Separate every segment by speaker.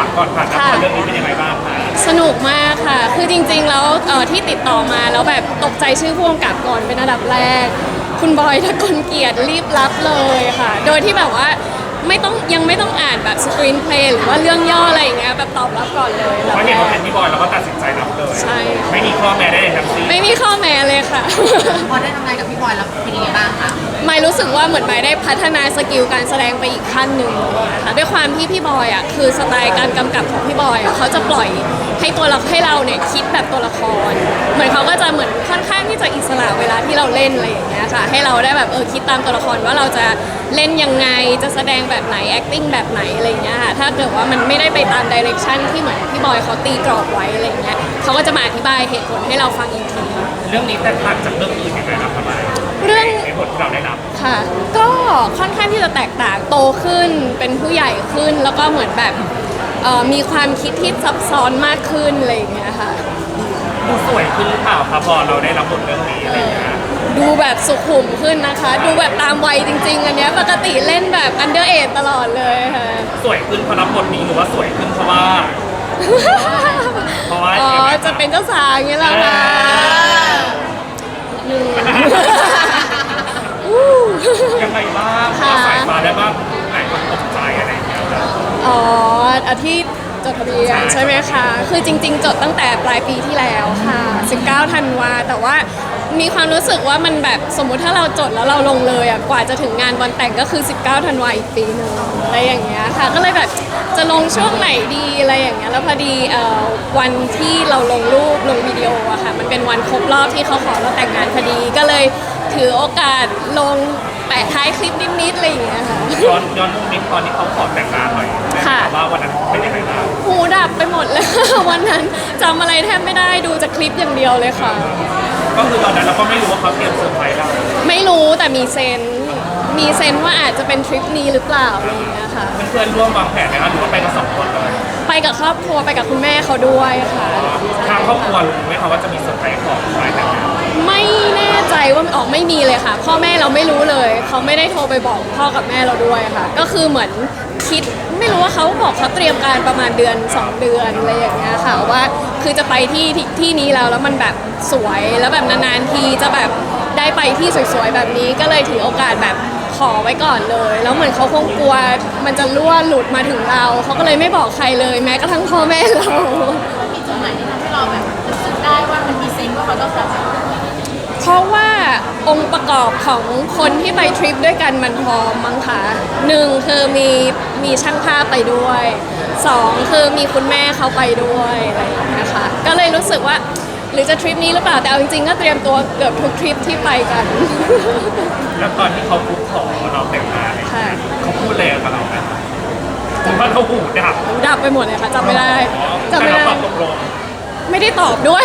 Speaker 1: ก่อนผ่านละครเรื่องนี้เป็นยังไงบ้างคะ
Speaker 2: สนุกมากค่ะ คือจริงๆแล้วที่ติดต่อมาแล้วแบบตกใจชื่อผู้กำกับก่อนเป็นอันดับแรก คุณบอยทะกลเกียรติรีบรับเลยค่ะ โดยที่แบบว่ายังไม่ต้องอ่านแบบสกรีนเพลย์หรือว่าเรื่องย่ออะไรอย่างเงี้ยแบบตอบรับก่อนเลย
Speaker 1: เพราะเห็นว่าเป็นพี่บอยเราก็ตัดสินใจรับเลย
Speaker 2: ใช่
Speaker 1: ไม่มีข้อแม้ได้เลยทั้งสิ้น
Speaker 2: ไม่มีข้อแม้เลยค่ะ
Speaker 3: พอได้ทำงานกับพี่บอยแล้วเป็นยังไงบ้างคะ
Speaker 2: ไม่รู้สึกว่าเหมือนไม่ได้พัฒนาสกิลการแสดงไปอีกขั้นหนึ่งนะคะด้วยความที่พี่บอยอ่ะคือสไตล์การกำกับของพี่บอยอ่ะเขาจะปล่อยให้เราเนี่ยคิดแบบตัวละครเหมือนเขาก็จะเหมือนค่อนข้างที่จะอิสระเวลาที่เราเล่นอะไรอย่างเงี้ยค่ะให้เราได้แบบคิดตามตัวละครว่าเราจะเล่นยังไงจะแสดงแบบไหน acting แบบไหนอะไรอย่างเงี้ยค่ะถ้าเกิดว่ามันไม่ได้ไปตาม direction ที่เหมือนพี่บอยเขาตีกรอบไว้อะไรอย่างเงี้ยเขาก็จะมาอธิบายเหตุผลให้เราฟังอีกที
Speaker 1: เรื่องนี้แตกต่างจากเรื่องอื่นยังไงครับทำไม
Speaker 2: เรื่อง
Speaker 1: ในบทที่เราได้รับ
Speaker 2: ค่ะก็ค่อนข้างที่จะแตกต่างโตขึ้นเป็นผู้ใหญ่ขึ้นแล้วก็เหมือนแบบมีความคิดที่ซับซ้อนมากขึ้นอะไรอย่างเงี้ยค่ะ
Speaker 1: ดูสวยขึ้นหรือเปล่าครับพอเราได้รับบทเรื่องนี้อะไรอย่างเงี้ย
Speaker 2: ดูแบบสุขุมขึ้นนะคะ ดูแบบตามวัยจริงๆอันเนี้ยปกติเล่นแบบอันเดอร์เอจตลอดเลยค่ะ
Speaker 1: สวยขึ้นเพราะรับบทนี้หรือว่าสวยขึ้นเพราะว่า เพราะว่า
Speaker 2: อ๋อจะเป็นเจ้าสาวอย่างเงี้ยเหรอคะอืม
Speaker 1: ยังไงบ้าง
Speaker 2: ค่ะ
Speaker 1: สายฟ้าได้บ้างไหนคนตกใจอะไรอย่างเงี้ยครับ
Speaker 2: อ๋ออาที่จดทะเบียนใช่ไหมคะ คือจริงๆ จดตั้งแต่ปลายปีที่แล้วค่ะ 19 ธันวาแต่ว่ามีความรู้สึกว่ามันแบบสมมุติถ้าเราจดแล้วเราลงเลยอ่ะกว่าจะถึงงานวันแต่งก็คือ 19 ธันวาอีกปีหนึงอะไรอย่างเงี้ยค่ะ ก็เลยแบบจะลงช่วงไหนดีอะไรอย่างเงี้ย แล้วพอดีวันที่เราลงรูปลงวิดีโออะค่ะ มันเป็นวันครบรอบที่เขาขอเราแต่งงานพอดี ก็เลยถือโอกาสลงแปะท้ายคลิปนิดๆอะไรอย่างเงี้ยค่ะ
Speaker 1: ย้อนมุมนิดตอนที่เขาขอแต่งงานหน่อย
Speaker 2: ค่ะ
Speaker 1: ว่าวันนั้นเป็นยังไงบ้าง
Speaker 2: หูดับไปหมดเลย วันนั้นจำอะไรแทบไม่ได้ดูจากคลิปอย่างเดียวเลยค่ะ
Speaker 1: ก็คือตอนนั้นเราก็ไม่รู้ว่าเขาเตรียมเซอร์ไพรส์เรา
Speaker 2: ไม่รู้แต่มีเซนส์ว่าอาจจะเป็นทริปนี้หรือเปล่าอะไรอย่างเงี้ยค่ะ
Speaker 1: เพื่อนๆร่วมวางแผนไหมคะหรือว่าไปกันสองคนเลย
Speaker 2: ไปกับครอบครัวไปกับคุณแม่เขาด้วยค่ะ
Speaker 1: ทางครอบครัวรู้ไหมคะว่าจะมีเซอร์ไพรส์ของฝ่ายแต่งงาน
Speaker 2: ไม่แน่ใจว่าออกไม่มีเลยค่ะ พ่อแม่เราไม่รู้เลย เขาไม่ได้โทรไปบอกพ่อกับแม่เราด้วยค่ะ ก็คือเหมือนคิดไม่รู้ว่าเขาบอกเขาเตรียมการประมาณเดือน 2 เดือนอะไรอย่างเงี้ยค่ะว่าคือจะไปที่นี้แล้วมันแบบสวยแล้วแบบนานๆทีจะแบบได้ไปที่สวยๆแบบนี้ก็เลยถือโอกาสแบบขอไว้ก่อนเลย แล้วเหมือนเขาคงกลัวมันจะรั่วหลุดมาถึงเราเขาก็เลยไม่บอกใครเลยแม้กระทั่งพ่อแม่เรา
Speaker 3: มีจุดไหนที่ทำให้เราแบบรู้สึกได้ว่ามันมีเซนส์ว่าเขาต้องแบบ
Speaker 2: เพราะว่าองค์ประกอบของคนที่ไปทริปด้วยกันมันพร้อมมั้งคะหนึ่งคือมีช่างภาพไปด้วยสองคือมีคุณแม่เขาไปด้วยอะไรอย่างเงี้ยค่ะก็เลยรู้สึกว่าหรือจะทริปนี้หรือเปล่าแต่เอาจริงๆก็เตรียมตัวเกือบทุกทริปที่ไปกัน
Speaker 1: แล้วตอนที่เขาคุกขอเราแต่งงานเนี่ย
Speaker 2: ค่ะ
Speaker 1: เขาพูดอะไรกับเราไหมผมว่าเขาหูดับ
Speaker 2: ดับไปหมดเลยค่ะจำไม่ได้จำ
Speaker 1: แต่
Speaker 2: ไม่
Speaker 1: เรา
Speaker 2: ได้
Speaker 1: ตอบตกลง
Speaker 2: ไม่ได้ตอบด้วย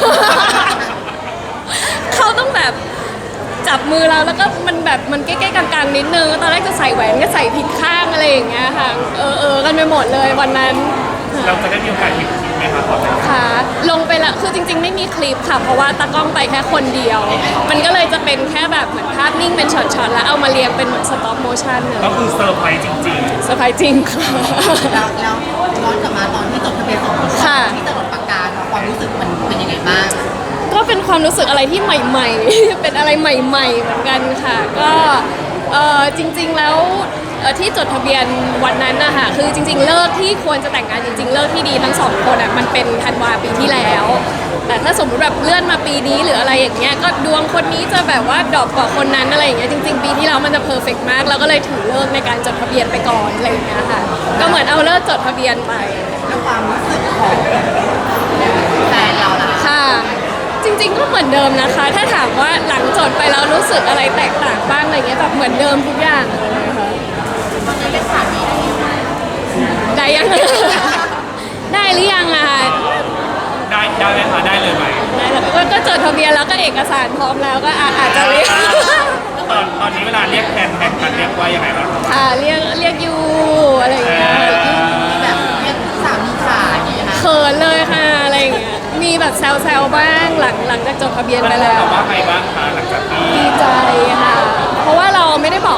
Speaker 2: เขาต้องแบบจับมือเราแล้วก็มันแบบมันใกล้ๆกลางๆนิดนึงตอนแรกจะใส่แหวนก็ใส่ผิดข้างอะไรอย่างเงี้ยค่ะกันไปหมดเลยวันนั้น
Speaker 1: เราจะได้มีโอกาสเห็นคลิปไหมคะตอนแต่งงาน
Speaker 2: ค่ะลงไปละคือจริง ๆ ไม่มีคลิปค่ะเพราะว่าตากล้องไปแค่คนเดียว มันก็เลยจะเป็นแค่แบบเหมือนภาพนิ่งเป็นช็อตๆแล้วเอามาเรียงเป็นเหมือนสต็อปโมชั่นเลย
Speaker 1: ก็คือเซอร์ไพรส์จริง
Speaker 2: เซอร์ไพรส์จริงค่ะ
Speaker 3: แล้วย้อนกลับมาตอนที่จดทะเบียนสมรส
Speaker 2: ค่ะ
Speaker 3: ที่จะหลดปากกาความรู้สึกมันเป็นยังไงบ้าง
Speaker 2: ก็เป็นความรู้สึกอะไรที่ใหม่ๆ เป็นอะไรใหม่ๆเหมือนกันค่ะ ก็จริงๆแล้วที่จดทะเบียนวันนั้นนะคะคือจริงๆเลิกที่ควรจะแต่งงานจริงๆเลิกที่ดีทั้งสองคนอ่ะมันเป็นธันวาปีที่แล้ว แต่ถ้าสมมติแบบเลื่อนมาปีนี้หรืออะไรอย่างเงี้ยก็ดวงคนนี้จะแบบว่าดรอปกว่าคนนั้นอะไรอย่างเงี้ยจริงๆปีที่แล้วมันจะเพอร์เฟกต์มากเราก็เลยถือเลิกในการจดทะเบียนไปก่อนอะไรอย่างเงี้ยค่ะก็เหมือนเอาเลิกจดทะเบียนไป
Speaker 3: แล้วความรู้สึกของแฟนเราล่ะ
Speaker 2: ค่ะ จริงๆก็เหมือนเดิมนะคะ ถ้าถามว่าหลังจดไปแล้วรู้สึกอะไรแตกต่างบ้างอะไรเงี้ยแบบเหมือนเดิมทุกอย่างเลยค่ะ
Speaker 3: ตอนนี้เป็นสามีได้ยัง
Speaker 2: ได้ยัง ได้หรือยังอะคะ
Speaker 1: ๆ ได้ไหมคะได้เลยไหม
Speaker 2: ได้แล้วก็จดทะเบียนแล้วก็เอกสารพร้อมแล้วก็อาจจะเรียก
Speaker 1: ตอนนี้เวลาเรียกแทนกันเรียกว่ายังไงบ้างครับ
Speaker 2: ค่ะเรียกยูอะไรอย่างเงี้ย
Speaker 3: แบบเรียกสามีขาอย่างนี้นะคะ
Speaker 2: เขินเลยค่ะอะไรอย่างเงี้ยมีแบบแซวๆบ้างหลังจากจดทะเบียนไปแล้ว
Speaker 1: แต่ว่าไงบ้างคะหลังจากที่
Speaker 2: ดีใจค่ะ เพราะว่าเราไม่ได้บอก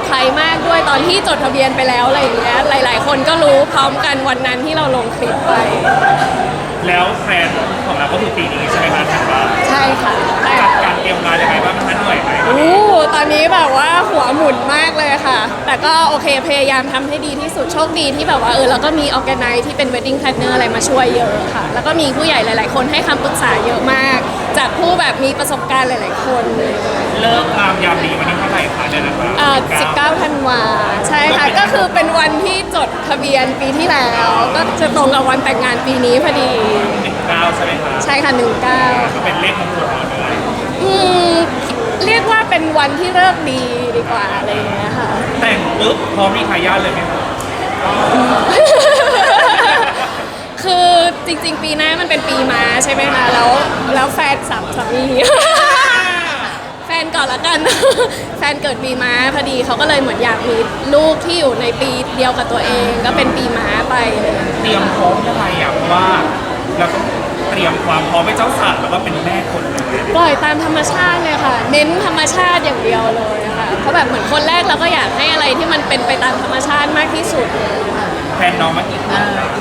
Speaker 2: ใครมากด้วยตอนที่จดทะเบียนไปแล้วอะไรอย่างเงี้ยหลาย ๆ คนก็รู้พร้อมกันวันนั้นที่เราลงคลิปไป
Speaker 1: แล้วแฟนของเราก็คือปีนี้ใช่ไหมคะถัดมา
Speaker 2: ใช่ค่ะแต่
Speaker 1: จัดการเตรียมงานยังไงบ้างคะเหนื่อยไหม
Speaker 2: ตอนนี้แบบว่าหัวหมุนมากเลยค่ะ แต่ก็โอเคพยายามทำให้ดีที่สุดโชคดีที่แบบว่าเราก็มีออแกไนซ์ที่เป็น wedding planner อะไรมาช่วยเยอะค่ะ แล้วก็มีผู้ใหญ่หลาย ๆ คนให้คำปรึกษาเยอะมาก จากผู้แบบมีประสบการณ์หลาย ๆ คน
Speaker 1: เลิกงามยามดีวันนี้เท่าไหร่คะเดือนอะไร
Speaker 2: 19 ธันวาใช่ค่ะ ก็คือเป็นวันที่จดทะเบียนปีที่แล้ว ก็จะตรงกับวันแต่งงานปีนี้พอดี
Speaker 1: 19ใช่ไหมคะ
Speaker 2: ใช่ค่ะ
Speaker 1: ก็เป็นเลขมงคลของเราเลย
Speaker 2: 19เรียกว่าเป็นวันที่เลิกดีดีกว่าอะไรอย่างเงี้ยค่ะ
Speaker 1: แต่งปุ๊บพร้อมมีทายาทเลยไหมคะ
Speaker 2: คือจริงๆ ปีหน้ามันเป็นปีม้าใช่ไหมคะ แล้วแฟนสามี แฟนก่อนละกัน แฟนเกิดปีม้าพอดีเขาก็เลยเหมือนอยากมีลูกที่อยู่ในปีเดียวกับตัวเอง ก็เป็นปีม้าไปเลย
Speaker 1: เตรียมพร้อมยังไงอ่ะเพราะว่าเราต้องเตรียมความพร้อมให้เจ้าสาวแล้วก็เป็นแม่คนเลย
Speaker 2: ปล่อยตามธรรมชาติเลยค่ะ เน้นธรรมชาติอย่างเดียวเลยค่ะเพราะแบบเหมือนคนแรกเราก็อยากให้อะไรที่มันเป็นไปตามธรรมชาติมากที่สุดเลยค่ะ
Speaker 1: แฟนน้องมากี่คน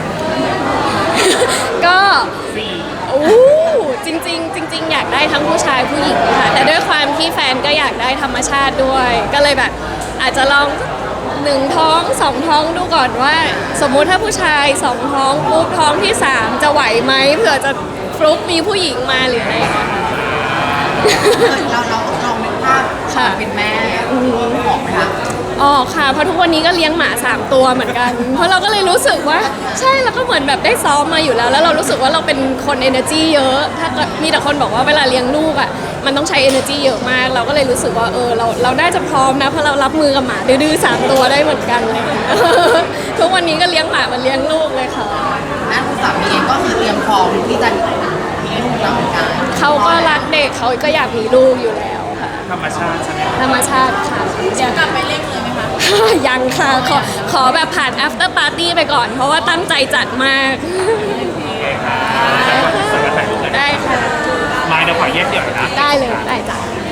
Speaker 2: ก็
Speaker 1: สี่
Speaker 2: จริงๆอยากได้ทั้งผู้ชายผู้หญิงค่ะแต่ด้วยความที่แฟนก็อยากได้ธรรมชาติด้วย ก็เลยแบบอาจจะลอง1 ท้อง 2 ท้องดูก่อนว่า สมมุติถ้าผู้ชาย2 ท้องปุ๊บท้องที่ 3 จะไหวไหมเผื่อจะฟลุกมีผู้หญิงมาหรืออะไรอย่างเงี้ย
Speaker 4: เราลองนึกภาพ
Speaker 2: ค่ะ
Speaker 4: เป็นแม่ออกไหมคะ
Speaker 2: อ๋อค่ะเพราะทุกวันนี้ก็เลี้ยงหมา3 ตัวเหมือนกัน เพราะเราก็เลยรู้สึกว่าใช่แล้วก็เหมือนแบบได้ซ้อมมาอยู่แล้ว แล้วเรารู้สึกว่าเราเป็นคน energy เยอะ ถ้าเกิดมีแต่คนบอกว่าเวลาเลี้ยงลูกอ่ะมันต้องใช้ energy เยอะมาก เราก็เลยรู้สึกว่าเราน่าจะพร้อมนะเพราะเรารับมือกับหมาดื้อๆ3 ตัวได้เหมือนกันเลย ทุกวันนี้ก็เลี้ยงหมาเหมันเลี้ยงลูกเลยค่ะ
Speaker 4: แม่คุณสามีเองก็คือเตรียมพร้อมที่จะมีลูกแล้วเหมือนกัน
Speaker 2: เขาก็รักเด็กเขาก็อยากมีลูกอยู่แล้วค่ะ
Speaker 1: ธรรมชาติใช่ไหม
Speaker 2: ธรรมชาติค่ะ
Speaker 3: เดี๋ยวกลับไปเร่งเลยไหมคะ
Speaker 2: ยังค่ะขอแบบผ่าน after party ไปก่อน เพราะว่าตั้งใจจัดมาก
Speaker 1: โอเคค่ะสำหรับถ่ายรูปเลยนะ
Speaker 2: ได้ค่ะ
Speaker 1: มาเดี๋ยวขอแยกเดี่ยวนะ
Speaker 2: ได้เลย ได้จ้ะ